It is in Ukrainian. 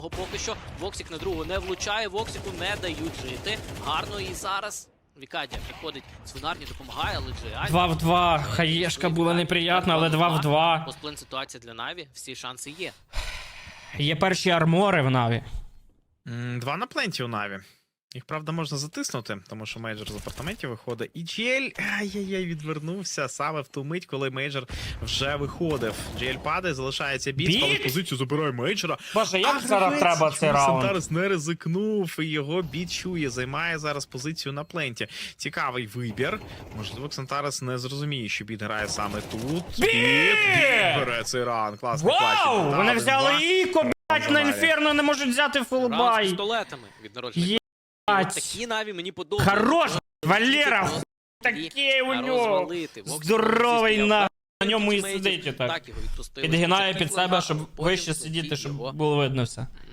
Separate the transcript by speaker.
Speaker 1: Поки що Воксік на другу не влучає, Воксіку не дають жити. Гарно і зараз Вікадія приходить свинарні, допомагає, але Джиані...
Speaker 2: 2 в 2. Хаєшка була неприятна, але 2 в 2.
Speaker 1: Постплен ситуація для Наві, всі шанси є.
Speaker 2: Є перші армори в Наві.
Speaker 3: 2 на пленті у Наві. Їх, правда, можна затиснути, тому що мейджор з апартаментів виходить. І Джель, ай-яй-яй, відвернувся саме в ту мить, коли мейджор вже виходив. Джель падає, залишається біт, але позицію забирає мейджора.
Speaker 2: Боже, як зараз треба цей раунд?
Speaker 3: Сантарес не ризикнув, і його біт чує, займає зараз позицію на пленті. Цікавий вибір. Можливо, Ксантарес не зрозуміє, що біт грає саме тут. Біт бере цей раунд. Класний клатч.
Speaker 2: Вау! Вони взяли Іко, блять, на інферно не можуть взяти
Speaker 1: Раунд з
Speaker 2: фулбай.
Speaker 1: пістолетами від народження. Такі Наві мені подобаються.
Speaker 2: Хорош, Валера, такий у нього. Здоровий на ньому і сидить отак. Підгинає під себе, щоб вище сидіти, щоб було видно все.